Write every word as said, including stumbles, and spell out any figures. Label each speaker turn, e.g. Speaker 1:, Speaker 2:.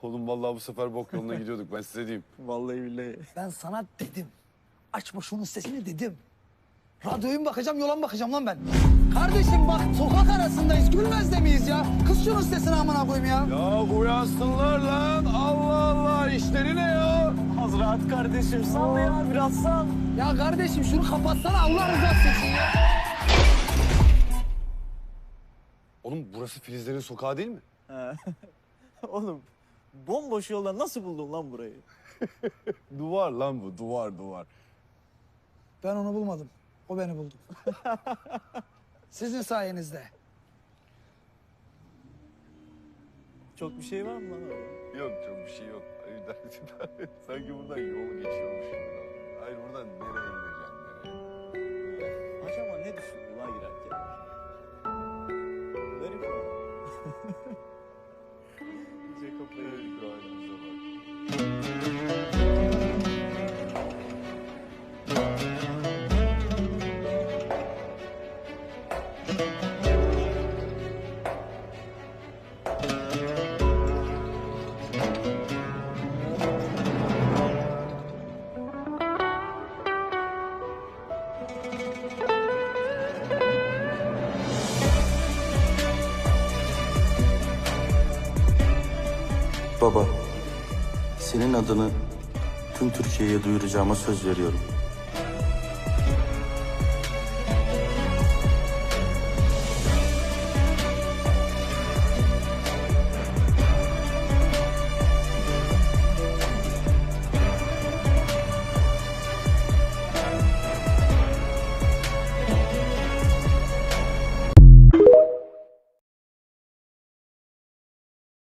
Speaker 1: Oğlum vallahi bu sefer bok yoluna gidiyorduk ben size diyeyim.
Speaker 2: Vallahi billahi.
Speaker 3: Ben sana dedim. Açma şunun sesini dedim. Radyoya mı bakacağım, yola mı bakacağım lan ben? Kardeşim bak sokak arasındayız. Gülmez de miyiz ya? Kız şunun sesini amına koyayım ya.
Speaker 1: Ya uyansınlar lan. Allah Allah işleri ne ya?
Speaker 2: Az rahat kardeşim. Sal ya biraz sal.
Speaker 3: Ya kardeşim şunu kapatsana Allah rızası için ya.
Speaker 1: Oğlum burası Filizlerin sokağı değil mi?
Speaker 2: He. Oğlum bomboş yoldan nasıl buldun lan burayı?
Speaker 1: Duvar lan bu duvar duvar.
Speaker 3: Ben onu bulmadım. O beni buldu. Sizin sayenizde.
Speaker 2: Çok bir şey var mı lan orada?
Speaker 1: Yok çok bir şey yok. Sanki buradan yol geçiyormuş gibi. Hayır buradan nereye gideceğim nereye?
Speaker 2: Acaba ne düşündü lan girerken? Garip o. İyice kafayı yedik.
Speaker 1: Halimize bak.
Speaker 4: Baba, senin adını tüm Türkiye'ye duyuracağıma söz veriyorum.